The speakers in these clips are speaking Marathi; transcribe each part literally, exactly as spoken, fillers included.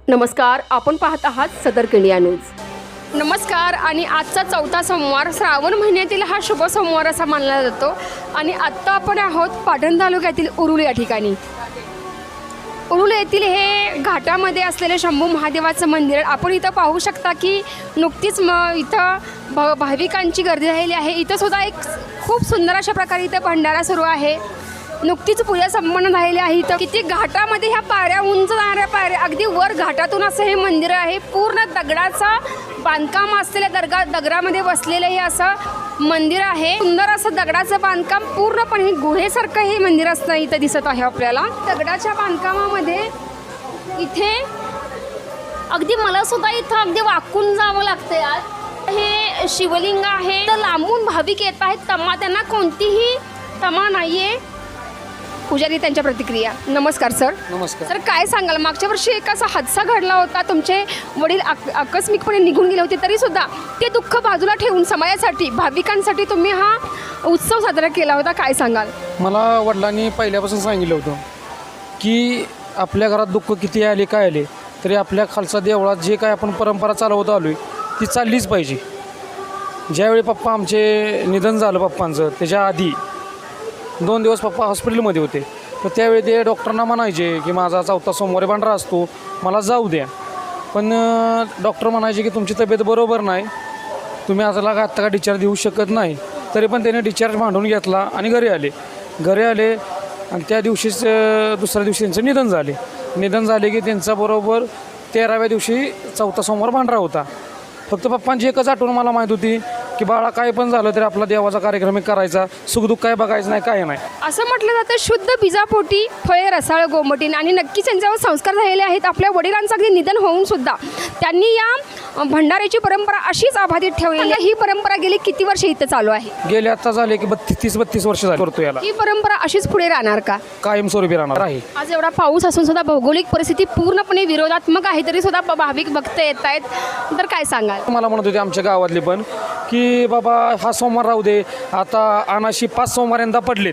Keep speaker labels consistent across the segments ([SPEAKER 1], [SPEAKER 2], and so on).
[SPEAKER 1] नमस्कार, आपण पाहत आहात सदर इंडिया न्यूज। नमस्कार। आणि आजचा चौथा सोमवार श्रावण महिन्यातील हा शुभ सोमवार असा मानला जातो आणि आत्ता आपण आहोत पाटण तालुक्यातील उरुल या ठिकाणी। उरुल येथील हे घाटामध्ये असलेले शंभू महादेवाचं मंदिर आपण इथं पाहू शकता की नुकतीच म इथं भ भाविकांची गर्दी राहिली आहे। इथं सुद्धा एक खूप सुंदर अशा प्रकारे इथं भंडारा सुरू आहे। नुकतीच पूजा संपन्न झालेली आहे। इथं किती घाटामध्ये ह्या पायऱ्या उंच जाणाऱ्या पायऱ्या अगदी वर घाटातून असं हे मंदिर आहे। पूर्ण दगडाचा बांधकाम असलेल्या दर्गा दगडामध्ये बसलेलं हे असं मंदिर आहे। सुंदर असं दगडाचं बांधकाम पूर्णपणे गुहेसारखं हे मंदिर असतं इथं दिसत आहे आपल्याला। दगडाच्या बांधकामामध्ये इथे अगदी मला सुद्धा इथं अगदी वाकून जावं लागतं यार। हे शिवलिंग आहे तर लांबून भाविक येत आहेत, तमा त्यांना कोणतीही तमा नाहीये। पुजारी त्यांच्या प्रतिक्रिया। नमस्कार सर।
[SPEAKER 2] नमस्कार
[SPEAKER 1] सर, काय सांगाल, मागच्या वर्षी एक असा हादसा घडला होता, तुमचे वडील आकस्मिकपणे निघून गेले होते, तरी सुद्धा ते दुःख बाजूला ठेवून समाजासाठी भाविकांसाठी तुम्ही हा उत्सव साजरा केला होता, काय सांगाल?
[SPEAKER 2] मला वडिलांनी पहिल्यापासून सांगितलं होतं की आपल्या घरात दुःख किती आले काय आले तरी आपल्या खालसा देवळात जे काय आपण परंपरा चालवत आलो आहे ती चाललीच पाहिजे। ज्यावेळी पप्पा आमचे निधन झालं पप्पांचं, त्याच्या आधी दोन दिवस पप्पा हॉस्पिटलमध्ये होते, तर त्यावेळी ते डॉक्टरांना म्हणायचे की माझा चौथा सोमवारी भांडारा असतो, मला जाऊ द्या। पण डॉक्टर म्हणायचे की तुमची तब्येत बरोबर नाही, तुम्ही आजला का आत्ता का डिस्चार्ज देऊ शकत नाही। तरी पण त्याने डिस्चार्ज मांडून घेतला आणि घरी आले घरी आले आणि त्या दिवशीच दुसऱ्या दिवशी त्यांचं निधन झाले निधन झाले की त्यांचा बरोबर तेराव्या दिवशी चौथा सोमवार भांडारा होता। फक्त पप्पांची एकच आठवण मला माहीत होती की बाळा काय पण झालं तरी आपला देवाचा कार्यक्रम करायचा, सुखदुःख काय बघायचं नाही, काय नाही।
[SPEAKER 1] असं म्हटलं जातं शुद्ध बीजापोटी फळे रसाळ गोमटीन, आणि नक्कीच त्यांच्यावर संस्कार झालेले आहेत। आपल्या वडिलांचं अगदी निधन होऊन सुद्धा त्यांनी या भंडाऱ्याची परंपरा अशीच अबाधित ठेवलेली आहे। ही परंपरा गेली किती वर्ष इथं चालू आहे?
[SPEAKER 2] गेले आता झाले की बत्तीस तीस बत्तीस वर्ष झाली करतो याला।
[SPEAKER 1] ही परंपरा अशीच पुढे राहणार का?
[SPEAKER 2] कायमस्वरूपी राहणार आहे।
[SPEAKER 1] आज एवढा पाऊस असून सुद्धा भौगोलिक परिस्थिती पूर्णपणे विरोधात्मक आहे, तरी सुद्धा भाविक भक्त येत आहेत, तर काय सांगाल?
[SPEAKER 2] मला म्हणत होते आमच्या गावातले पण की बाबा हा सोमवार राहू दे, आता अनाशी पाच सोमवार यंदा पडलेत,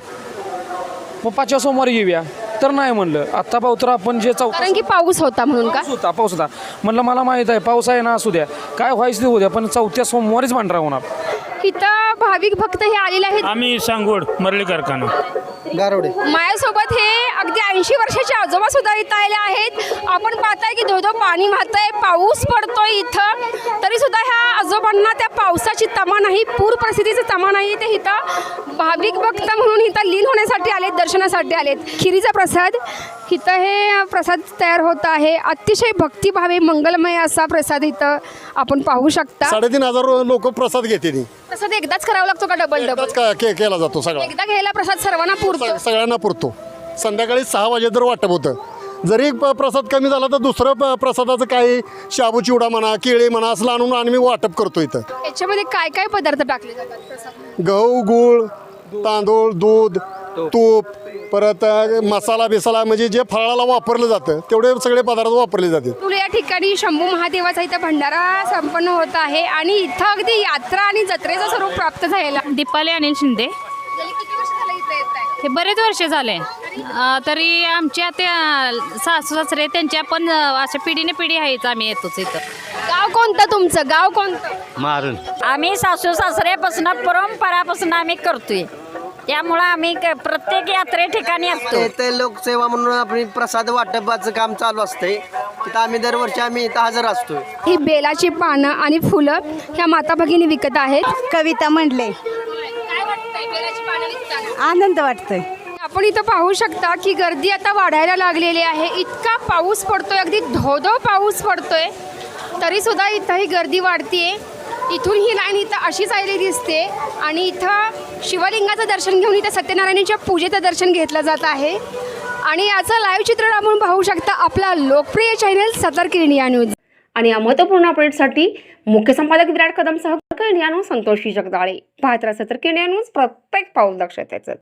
[SPEAKER 2] मग पाचव्या सोमवारी येऊया, तर नाही म्हणलं। आता पाहू तर आपण जे चौथा
[SPEAKER 1] कारण की पाऊस होता म्हणून का?
[SPEAKER 2] पाऊस होता पाऊस होता म्हणलं मला माहीत आहे पाऊस आहे ना, असू द्या काय व्हायचं ते उद्या, पण चौथ्या सोमवारीच भांडारा होणार।
[SPEAKER 1] इथं भाविक भक्त हे आलेले आहेत।
[SPEAKER 3] आम्ही सांगोड मरळी कारखाना
[SPEAKER 4] गारोडे
[SPEAKER 1] माझ्यासोबत हे अगदी ऐंशी वर्षाचे आजोबा सुद्धा इथं आले आहेत। आपण पाहताय की धोधो पाणी वाहतंय, पाऊस पडतोय इथं, तरी सुद्धा ह्या आजोबांना त्या पावसाची तमा नाही, पूर परिस्थितीची तमा नाही। ते इथं भाविक भक्त म्हणून इथं लीन होण्यासाठी आलेत, दर्शनासाठी आलेत। खिरीचा प्रसाद इथं हे प्रसाद तयार होत आहे। अतिशय भक्तिभावे मंगलमय असा प्रसाद इथं आपण पाहू शकता।
[SPEAKER 4] साडेतीन हजार लोक प्रसाद घेते
[SPEAKER 1] प्रसाद एकदाच करावा लागतो का डबल डबल?
[SPEAKER 4] के केला जातो सगळा,
[SPEAKER 1] एकदा घ्यायला प्रसाद सर्वांना पुरतो?
[SPEAKER 4] सगळ्यांना पुरतो। संध्याकाळी सहा वाजे तर वाटप होतं, जरी प- प्रसाद कमी झाला तर दुसरं प- प्रसादाचं काही शाबू चिवडा म्हणा, केळी म्हणा असं आणून आम्ही वाटप करतो इथं।
[SPEAKER 1] याच्यामध्ये काय काय पदार्थ टाकले जातात प्रसाद?
[SPEAKER 4] गहू, गूळ, तांदूळ, दूध, तूप, परत मसाला बिसाला म्हणजे जे फळाला वापरलं जातं तेवढे सगळे पदार्थ वापरले जाते।
[SPEAKER 1] तुला या ठिकाणी शंभू महादेवाचा इथं भंडारा संपन्न होत आहे आणि इथं अगदी यात्रा आणि जत्रेचं स्वरूप प्राप्त झालेला।
[SPEAKER 5] दीपाली अनिल शिंदे।
[SPEAKER 1] गेली किती वर्ष झालं इथं येत आहे?
[SPEAKER 5] हे बरेच वर्ष झाले, अं, तरी आमच्या त्या सासू सासरे त्यांच्या पण अं, अशा पिढीने पिढी आहेच, आम्ही येतोच इथं।
[SPEAKER 1] गाव कोणतं तुमचं? गाव कोणतं?
[SPEAKER 6] मारून
[SPEAKER 7] आम्ही सासू सासऱ्यापासून परंपरापासून आम्ही करतोय, त्यामुळं आम्ही क- प्रत्येक यात्रे ठिकाणी असतो।
[SPEAKER 6] ते लोकसेवा म्हणून आपली प्रसाद वाटपाचं काम चालू असतंय, तिथं आम्ही दरवर्षी आम्ही इथं हजर असतोय।
[SPEAKER 1] ही बेलाची पानं आणि फुलं ह्या माता भगिनी विकत आहेत।
[SPEAKER 8] कविता म्हणले,
[SPEAKER 1] काय वाटतंय बेलाची पानं विकताना?
[SPEAKER 8] आनंद वाटतोय।
[SPEAKER 1] आपण इथं पाहू शकता की गर्दी आता वाढायला लागलेली आहे। इतका पाऊस पडतोय, अगदी धोधो पाऊस पडतोय, तरी सुद्धा इथं ही गर्दी वाढतीये। इथून ही लाईन इथं अशीच आलेली दिसते आणि इथं शिवलिंगाचं दर्शन घेऊन इथं सत्यनारायणाच्या पूजेचं दर्शन घेतलं जात आहे। आणि याचं लाईव्ह चित्रण आपण पाहू शकता आपला लोकप्रिय चॅनल सतर्क इंडिया न्यूज। आणि या महत्त्वपूर्ण अपडेटसाठी मुख्य संपादक विराट कदमसह इंडिया न्यूज संतोषी जगदाळे पाहत राहा सतर्क इंडिया न्यूज, प्रत्येक पाऊल दक्षतेचं।